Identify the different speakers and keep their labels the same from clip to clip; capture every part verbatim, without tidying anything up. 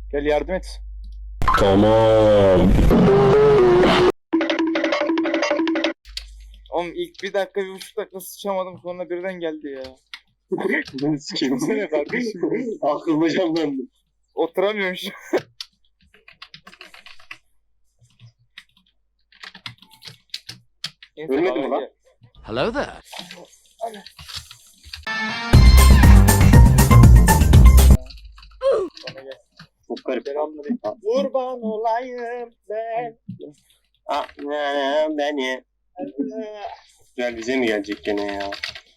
Speaker 1: Gel yardım et.
Speaker 2: Tamam.
Speaker 1: Oğlum ilk bir dakika bir buçuk dakika sıçamadım sonra birden geldi ya.
Speaker 3: Ben sikeyim.
Speaker 1: Ne kardeşim?
Speaker 3: Aklıma canlandı.
Speaker 1: Oturamıyorum şu an. Neyse,
Speaker 3: Ölmedi
Speaker 1: bana
Speaker 3: mi lan?
Speaker 1: gel.
Speaker 4: Hello there.
Speaker 1: Bana gel.
Speaker 3: Çok garip.
Speaker 1: Selamünaleyküm. Kurban olayım ben.
Speaker 3: Ah ne beni. Güzel bize mi gelecek gene ya?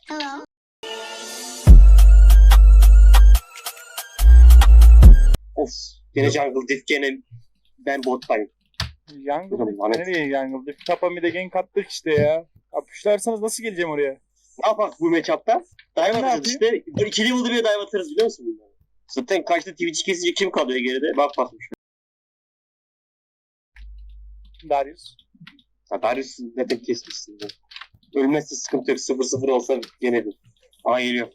Speaker 3: Of. Gene Jungle Diff gene ben bottayım.
Speaker 1: Yangıl
Speaker 3: Oğlum, lanet.
Speaker 1: nereye yangıl? Tapa bir de gank attık işte ya. Yapışlarsanız nasıl geleceğim oraya?
Speaker 3: Ne yapak bu matchup'ta? Dive
Speaker 1: Ne
Speaker 3: atacağız işte. Böyle iki level'da bir dive atarız biliyor musun bunları? Zaten kaçta Twitch'i kesince kim kalıyor geride? Bak bakmış.
Speaker 1: Darius.
Speaker 3: Ha Darius ne tek kesmişsin. de. Ölmezse sıkıntı yok. sıfır sıfır olsa gene bir. Aa geliyor.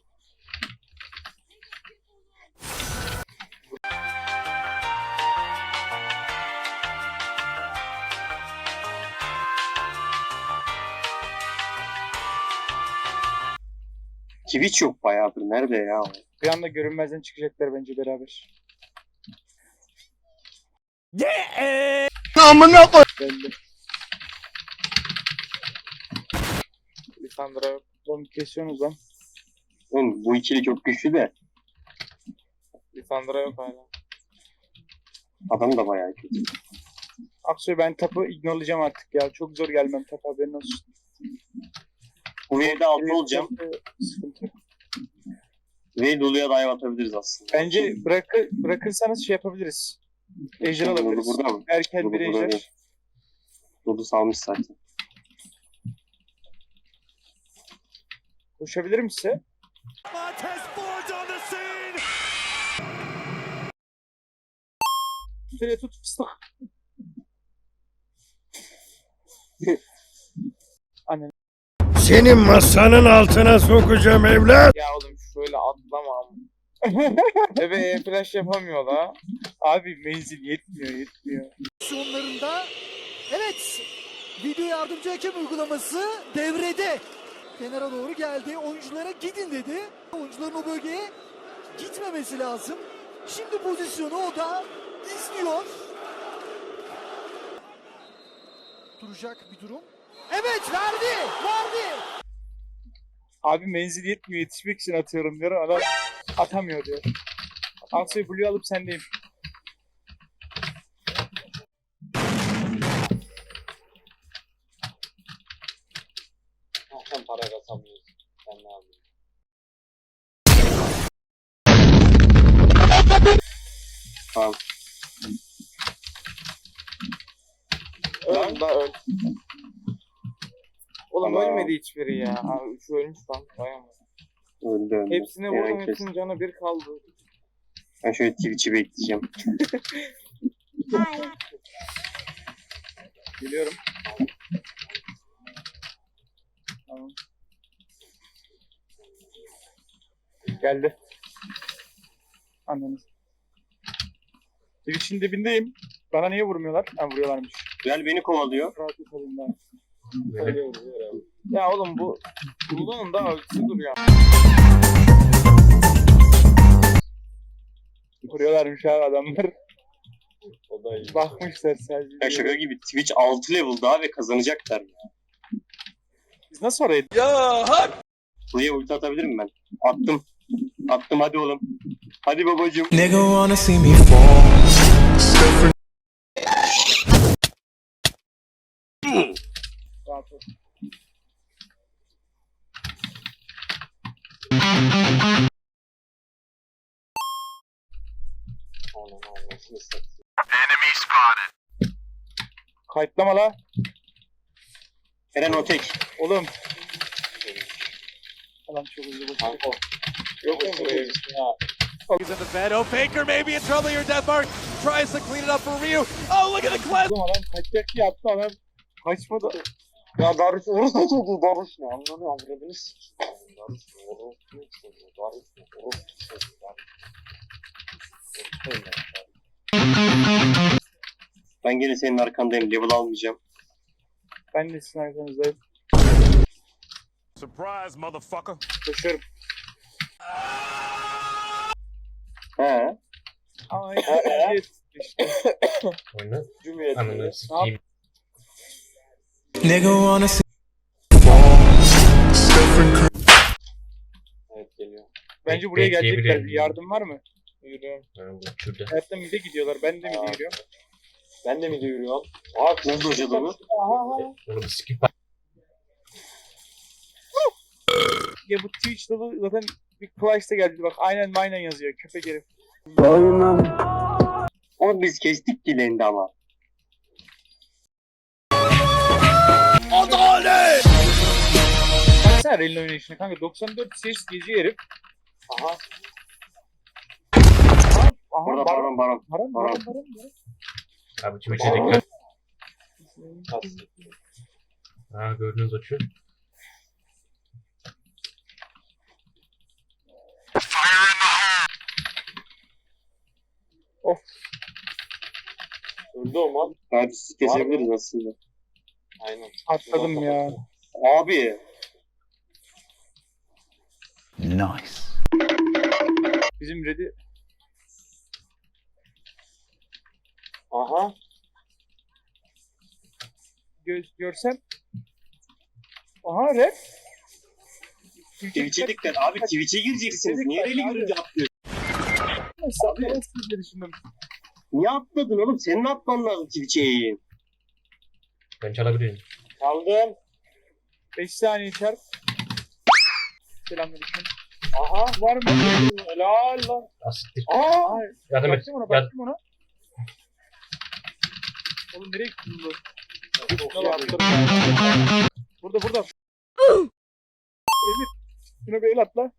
Speaker 3: Twitch yok bayağıdır. Nerede ya? o?
Speaker 1: Bir anda görünmezden çıkacaklar bence beraber.
Speaker 2: Amına koy.
Speaker 1: Belli. Lisandra onu kesiyorsunuz lan.
Speaker 3: Oğlum bu ikili çok güçlü de
Speaker 1: Lisandra yok hala.
Speaker 3: adam da bayağı kötü.
Speaker 1: Aksoy ben tapı ignorelayacağım artık ya. Çok zor gelmem tapa haberin olsun.
Speaker 3: Bu wave'de altı olacağım.
Speaker 1: Sıkıntı yok.
Speaker 3: Wave doluya dive atabiliriz aslında.
Speaker 1: Bence bırakı, bırakırsanız şey yapabiliriz. Ejder
Speaker 3: Dolu
Speaker 1: alabiliriz.
Speaker 3: burada mı?
Speaker 1: Erken
Speaker 3: Dolu
Speaker 1: bir
Speaker 3: burada
Speaker 1: ejder.
Speaker 3: değil. Dolu salmış zaten.
Speaker 1: Koşabilir mi size? Şuraya tut fıstık. Annen.
Speaker 2: Senin masanın altına sokacağım evlat.
Speaker 1: Ya oğlum şöyle atlama. Evet flash yapamıyor la. Abi menzil yetmiyor yetmiyor.
Speaker 5: Sonlarında evet video yardımcı hakem uygulaması devrede. Kenara doğru geldi. Oyunculara gidin dedi. Oyuncuların o bölgeye gitmemesi lazım. Şimdi pozisyonu o da izliyor. Duracak bir durum. Evet verdi. Verdi.
Speaker 1: Abi menzil yetmiyor yetişmek için atıyorum diyor. Adam atamıyor diyor. Aksoy Blue alıp sendeyim.
Speaker 3: Sen para kazanmıyorsun. Sen ne yapıyorsun? Tamam.
Speaker 1: Öl da öl. Oğlum
Speaker 3: Tamam.
Speaker 1: ölmedi hiçbiri ya. Abi şu ölmüş lan. Dayanmadı.
Speaker 3: Öldü öldü.
Speaker 1: Hepsine
Speaker 3: Yani
Speaker 1: vurdum
Speaker 3: kes-
Speaker 1: hepsinin canı bir kaldı.
Speaker 3: Ben şöyle Twitch'i bekleyeceğim.
Speaker 1: Biliyorum. Tamam. Geldi. Anneniz. Twitch'in dibindeyim. Bana niye vurmuyorlar? Ha vuruyorlarmış.
Speaker 3: Gel beni kovalıyor.
Speaker 1: Rahat yapalım ben. Öyle vuruyor abi. Ya oğlum bu Bulduğun da ölçüsü duruyor. Vuruyorlarmış abi adamlar.
Speaker 3: O da iyi.
Speaker 1: Bakmışlar sadece.
Speaker 3: Ya şaka gibi Twitch altı level daha ve kazanacaklar ya.
Speaker 1: Biz nasıl oraya?
Speaker 3: Buraya ulti atabilirim ben. Attım. Attım hadi oğlum. Hadi babacım.
Speaker 6: Nigga wanna see me fall.
Speaker 1: Rahat ol. Kayıtlama la.
Speaker 3: Eren o tek.
Speaker 1: Oğlum. Adam çok hızlı koşuyor. Yok mu buraya?
Speaker 4: He's in the bed. Oh, Faker maybe in trouble here. Deathmark tries to clean it up for Ryu. Oh, look at the cleanse.
Speaker 1: Oğlum adam kaçacak diye attı adam. Kaçmadı. Ya Darius orası da çok iyi. Darius ne? Anladın mı? Avradını sikeyim. Darius ne? Orası ne? Darius ne? Orası ne? Darius ne?
Speaker 3: Ben gene senin arkandayım. Level almayacağım.
Speaker 1: Ben de sizin arkanızdayım.
Speaker 2: Surprise motherfucker.
Speaker 1: Koşuyorum.
Speaker 3: He.
Speaker 1: Ama işte.
Speaker 7: Oyna.
Speaker 3: Cumhuriyet.
Speaker 7: Ananı sikeyim.
Speaker 6: Nigga wanna see
Speaker 3: Evet geliyor.
Speaker 1: Bence buraya
Speaker 7: Bekleyebilirim.
Speaker 1: gelecekler. Bir yardım var mı? Yürüyorum.
Speaker 7: Ha, bu şurada.
Speaker 1: Hayatta mide gidiyorlar. Ben de mide yürüyorum.
Speaker 3: Ben de mi yürüyorum? Aa kız hocadı mı?
Speaker 7: Onu bir skip
Speaker 1: Ya bu Twitch dolu zaten bir Clash'ta geldi. Bak aynen aynen yazıyor. Köpek herif.
Speaker 3: Onu biz kestik dileğinde ama.
Speaker 1: Baksana Rel'in oynayışına kanka. doksan dört ses geziyor herif.
Speaker 3: Aha.
Speaker 1: Aha
Speaker 3: Burada
Speaker 1: baron.
Speaker 3: baron baron.
Speaker 1: Baron baron baron. baron.
Speaker 7: Abi Twitch'e dikkat. Ha gördünüz açıyor.
Speaker 3: Öldü o mal. Hadi sizi kesebiliriz aslında. Aynen.
Speaker 1: Atladım ya.
Speaker 3: Abi.
Speaker 6: nice.
Speaker 1: Bizim Red'i
Speaker 3: Aha.
Speaker 1: gö görsem. Aha Red.
Speaker 3: Twitch'e dikkat. Abi Twitch'e gireceksiniz. Niye öyle görünce atlıyorsun?
Speaker 1: Abi. Diye düşündüm.
Speaker 3: Niye atladın oğlum? Senin atman lazım Twitch'e yayın.
Speaker 7: Ben çalabilirim.
Speaker 3: Çaldım.
Speaker 1: beş saniye çarp. Selamünaleyküm.
Speaker 3: Aha.
Speaker 1: Var mı?
Speaker 3: Helal lan.
Speaker 7: Asittir.
Speaker 3: Aa.
Speaker 7: Yardım et.
Speaker 1: Baktım ona,
Speaker 7: Yardım.
Speaker 1: baktım ona. Oğlum nereye gittin bu? Burada burada. Emir. Şuna bir el atla.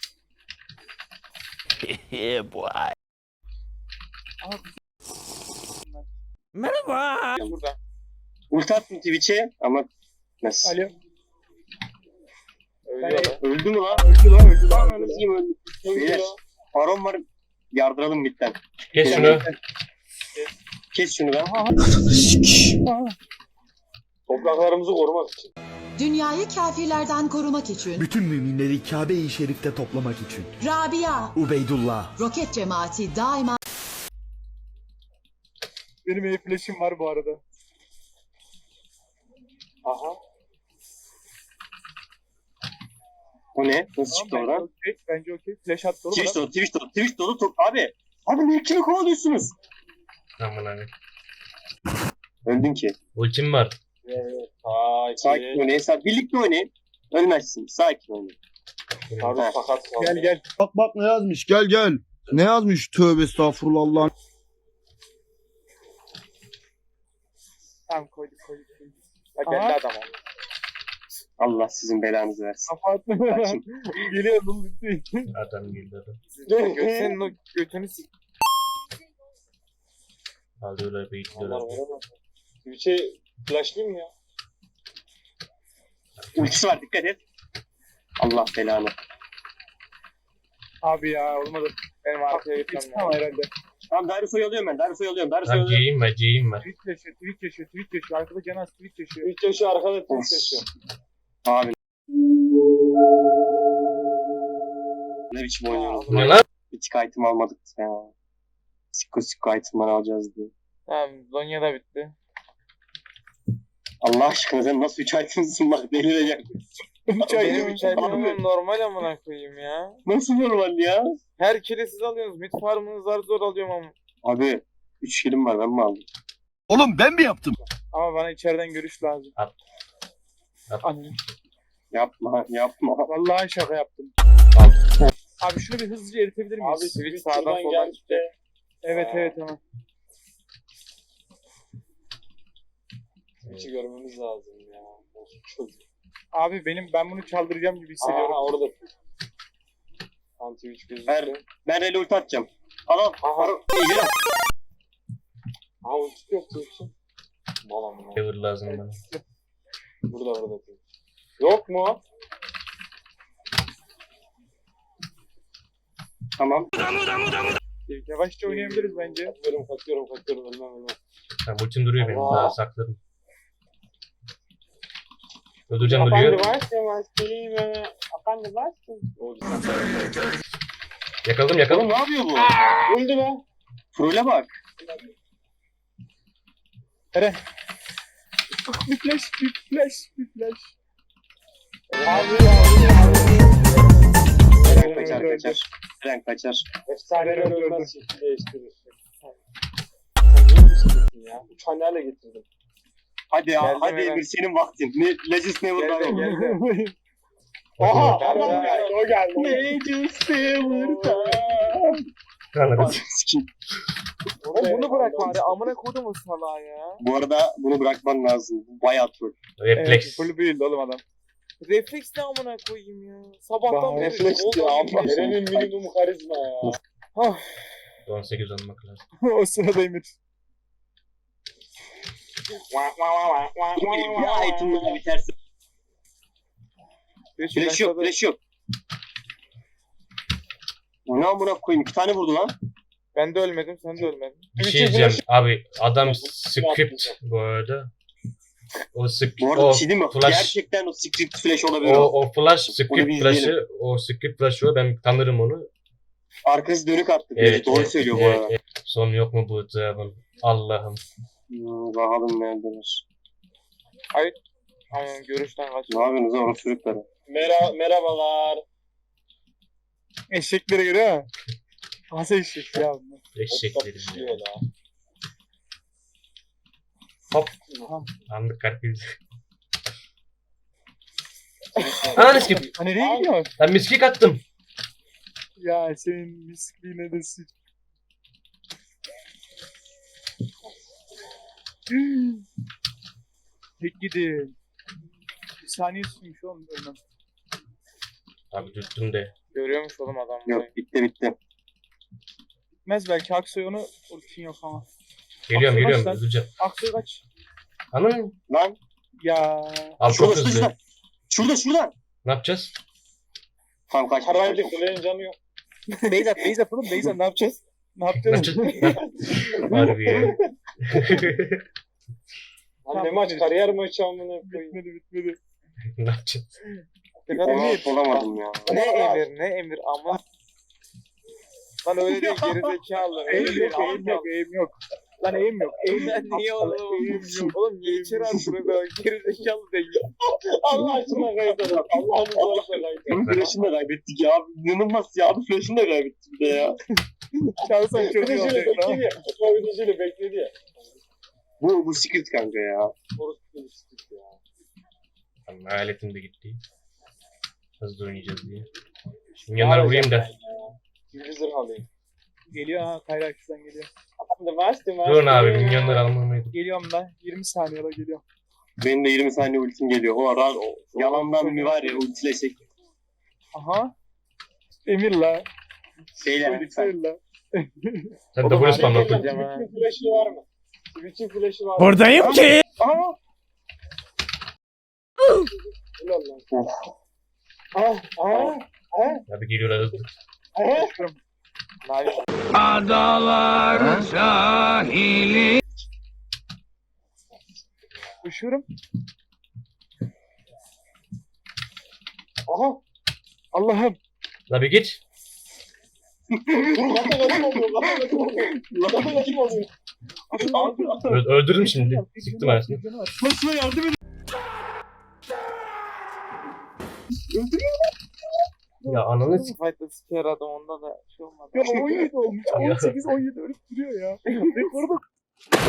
Speaker 2: Yeah boy.
Speaker 1: Aha.
Speaker 2: Merhaba.
Speaker 1: Burada.
Speaker 3: Ulti attım Twitch'e ama nasıl?
Speaker 1: Alo.
Speaker 3: Öldü, öldü mü lan?
Speaker 1: Öldü lan öldü lan.
Speaker 3: Ananı sikeyim öldü. Beyler. Baron var. Yardıralım bitten.
Speaker 7: Kes şunu.
Speaker 3: Kes şunu lan.
Speaker 1: Aha.
Speaker 3: Topraklarımızı korumak için.
Speaker 8: Dünyayı kafirlerden korumak için
Speaker 9: Bütün müminleri Kabe-i Şerif'te toplamak için.
Speaker 8: Rabia,
Speaker 9: Ubeydullah.
Speaker 8: roket cemaati daima
Speaker 1: Benim el flash'im var bu arada.
Speaker 3: Aha. O ne? Nasıl çıktı
Speaker 1: Tamam, bence
Speaker 3: oradan?
Speaker 1: okey. Bence okey. Flash attı oğlum.
Speaker 3: Twitch
Speaker 1: adam.
Speaker 3: dolu, Twitch dolu, Twitch dolu. Top... Abi. Abi niye kimi kovalıyorsunuz?
Speaker 7: Aman abi.
Speaker 3: Öldün ki.
Speaker 7: Ultim var.
Speaker 3: Sakin. Sakin oynayın. Sa- Birlikte oynayın. Ölmezsin. Sakin oynayın. Abi
Speaker 7: Ha.
Speaker 3: fakat
Speaker 1: Gel gel.
Speaker 9: Bak bak ne yazmış gel gel. Ne yazmış tövbe estağfurullah Allah'ın.
Speaker 1: Tamam koyduk koyduk. koyduk. Bak geldi adam.
Speaker 3: Allah sizin belanızı versin.
Speaker 1: Kafa attı.
Speaker 3: Kaçın.
Speaker 1: Geliyor oğlum bitti.
Speaker 7: Adam geldi adam.
Speaker 1: Senin o götünü sik.
Speaker 7: Alıyorlar bir gidiyorlar.
Speaker 3: Twitch'e flashlayayım ya. Ultisi var dikkat et. Allah belanı.
Speaker 1: Abi ya olmadı. Benim arkaya gitmem lazım. herhalde.
Speaker 3: Tamam Darius'u alıyorum ben. Darius'u alıyorum. Darius'u
Speaker 7: Lan
Speaker 3: alıyorum.
Speaker 7: C'yim var C'yim var.
Speaker 1: Twitch yaşıyor, Twitch yaşıyor, Twitch yaşıyor. Arkada Canas Twitch yaşıyor.
Speaker 3: Twitch yaşıyor arkada Twitch yaşıyor. Abi. Ne biçim oynuyoruz?
Speaker 7: Bu ne lan?
Speaker 3: Hiç item almadık ya. Sikko sikko item'ları alacağız diye.
Speaker 1: Tamam Zonya da bitti.
Speaker 3: Allah aşkına sen nasıl üç item'sın bak delireceğim. üç
Speaker 1: Benim
Speaker 3: item
Speaker 1: içeriğim normal amına koyayım ya.
Speaker 3: Nasıl normal ya?
Speaker 1: Her kere siz alıyorsunuz. Mid farmını zar zor alıyorum ama.
Speaker 3: Abi üç kilim var ben mi aldım?
Speaker 9: Oğlum ben mi yaptım?
Speaker 1: Ama bana içeriden görüş lazım.
Speaker 7: At. At.
Speaker 1: Anne.
Speaker 3: Yapma yapma.
Speaker 1: Vallahi şaka yaptım. Abi şunu bir hızlıca eritebilir miyiz?
Speaker 3: Abi
Speaker 1: Switch
Speaker 3: Twitch
Speaker 1: sağdan soldan gitti. Evet
Speaker 3: Aa.
Speaker 1: evet tamam.
Speaker 3: Twitch'i görmemiz lazım ya. Çok.
Speaker 1: Abi benim ben bunu çaldıracağım gibi hissediyorum.
Speaker 3: Aha orada. Tam Twitch gözüktü. Ben, ben rally ulti atacağım. Al al. Aha. İyice al. Aha ulti yok Twitch'in. Balam bunu.
Speaker 7: Cover lazım bana.
Speaker 3: Burada burada. Yok mu? Tamam.
Speaker 1: Yavaşça oynayabiliriz bence.
Speaker 3: Kaçıyorum kaçıyorum kaçıyorum ölmem ölmem.
Speaker 7: Tamam ultim duruyor benim.
Speaker 3: Allah.
Speaker 7: Daha sakladım. Öldüreceğim duruyor. Yakaladım yakaladım.
Speaker 3: Oğlum ne yapıyor bu? Öldü lan. Trole bak.
Speaker 1: Bir flash, bir flash, bir flash.
Speaker 3: Eren kaçar kaçar. Eren kaçar.
Speaker 1: Efsaneler
Speaker 3: ölmez şekli değiştirir. Sen niye düşünüyorsun ya? Üç hanelerle getirdim. Hadi ya,
Speaker 1: Geldim
Speaker 3: hadi
Speaker 1: Eren.
Speaker 3: Emir senin vaktin. Ne, Legends never
Speaker 1: Geldim,
Speaker 3: die.
Speaker 1: geldim.
Speaker 3: Aha,
Speaker 1: Geldim,
Speaker 3: adam geldi,
Speaker 1: geldim.
Speaker 3: o geldi. Legends never die.
Speaker 7: Anladım.
Speaker 3: Sikim.
Speaker 1: Oğlum bunu bırak bari. Amına koydum o salağı ya.
Speaker 3: Bu arada bunu bırakman lazım. Bu bayağı troll.
Speaker 7: Refleks.
Speaker 1: Full build oğlum adam. Refleks ne amına koyayım ya. Sabahtan beri.
Speaker 3: Refleks diyor abi. Eren'in minimum karizma ya.
Speaker 7: on sekiz olmak lazım.
Speaker 1: O sırada Emir.
Speaker 3: Bir item'la biterse. Flash yok, flash yok. Ne amına koyayım? İki tane vurdu lan.
Speaker 1: Ben de ölmedim, sen de ölmedin.
Speaker 7: Bir şey diyeceğim. Abi adam script bu arada. O script,
Speaker 3: Bu arada
Speaker 7: o
Speaker 3: bir şey değil mi?
Speaker 7: flash,
Speaker 3: Gerçekten o script flash olabilir.
Speaker 7: o,
Speaker 3: O,
Speaker 7: o flash
Speaker 3: Onu
Speaker 7: script
Speaker 3: bir
Speaker 7: flash'ı,
Speaker 3: izleyelim.
Speaker 7: o script flash'ı ben tanırım onu.
Speaker 3: Arkası dönük attı.
Speaker 7: Evet,
Speaker 3: Doğru
Speaker 7: evet,
Speaker 3: söylüyor bu
Speaker 7: evet,
Speaker 3: arada.
Speaker 7: evet. Son yok mu bu cevabın? Allah'ım.
Speaker 3: Hmm, bakalım neredeler.
Speaker 1: Aynen görüşten kaç.
Speaker 3: Ne yapıyorsunuz orada çocukları? Mera merhabalar.
Speaker 1: Eşeklere göre ha. Nasıl eşek ya bunlar?
Speaker 7: Eşeklerim ya. Hop. Anlık kalbimiz. Ananı sikeyim.
Speaker 1: Ha nereye gidiyor?
Speaker 7: Ben miskik attım.
Speaker 1: Ya senin miskliğine de sıç. Tek gidin. Bir saniye sürmüş oğlum ölmem.
Speaker 7: Abi düştüm de.
Speaker 1: Görüyormuş oğlum adam.
Speaker 3: Yok bitti bitti.
Speaker 1: Bitmez belki Aksoy onu ultin yok ama.
Speaker 7: Geliyorum
Speaker 1: Aksoy
Speaker 7: geliyorum
Speaker 1: kaç lan?
Speaker 7: öldüreceğim.
Speaker 1: Aksoy kaç.
Speaker 7: Anam.
Speaker 3: Lan
Speaker 1: Ya.
Speaker 7: Abi çok
Speaker 3: şurada
Speaker 7: hızlı.
Speaker 3: şurada. Şurada şurada.
Speaker 7: Ne yapacağız?
Speaker 3: Tamam kaç.
Speaker 1: Haraydı kulenin canı yok. Beyzat Beyzat oğlum Beyzat ne yapacağız? Ne
Speaker 7: Ne
Speaker 1: yapacağız?
Speaker 7: yapacağız? Harbi ya.
Speaker 1: Lan ne maç kariyer maçı amına koyayım. Bitmedi bitmedi.
Speaker 7: Ne yapacağız?
Speaker 3: Ona olamadım ya.
Speaker 1: Ne emir ne emir ama. Lan öyle değil gerizekalı. Eğim yok eğim yok eğim yok. Lan eğim yok. Eğim
Speaker 3: Lan niye oğlum?
Speaker 1: Eğim yok. Oğlum niye içeri attın be gerizekalı değil.
Speaker 3: Allah aşkına kaybettik. Allah'ın zorla kaybettik. Flash'ını da kaybettik ya. İnanılmaz ya. Abi flash'ını da kaybettik bir de ya.
Speaker 1: Çalsan çok iyi olacak lan.
Speaker 3: Yapabileceğini bekledi ya. Bu, bu script kanka ya. Orası bir script ya.
Speaker 7: Tamam, hayaletim de gitti. Hızlı oynayacağız diye. Şimdi yanlara vurayım da.
Speaker 3: Bir zırh alayım.
Speaker 1: Geliyor ha Kayrakçı'dan geliyor.
Speaker 7: Durun abi minyonları almamaydı.
Speaker 1: Geliyorum da yirmi saniyede geliyorum.
Speaker 3: Benim de yirmi saniye ultim geliyor. O ara o, yalandan bir var ya ultileşek.
Speaker 1: Aha. Emir la.
Speaker 3: Şeyle lütfen.
Speaker 1: Emir la.
Speaker 7: Sen de burası spamla koy.
Speaker 3: Twitch'in flash'ı var mı? Twitch'in flash'ı var mı?
Speaker 2: Buradayım ki.
Speaker 3: Aha! Ulan lan. Ah! Ah!
Speaker 7: Abi geliyorlar hızlı.
Speaker 3: Ah!
Speaker 2: Adalar sahili.
Speaker 1: Üşüyorum.
Speaker 3: Aha!
Speaker 1: Allah'ım.
Speaker 7: La bir git.
Speaker 3: Dur lan nasıl oluyor? Lan nasıl oluyor?
Speaker 7: Ö- öldürdüm şimdi. Sıktım arasını.
Speaker 3: Nasıl yardım edin?
Speaker 7: Ya ananı s***.
Speaker 1: Fight'ta siker adam onda da şey olmadı.
Speaker 3: Ya on yedi olmuş.
Speaker 7: Ya.
Speaker 1: on sekiz on yedi ölüp duruyor ya. Rekorda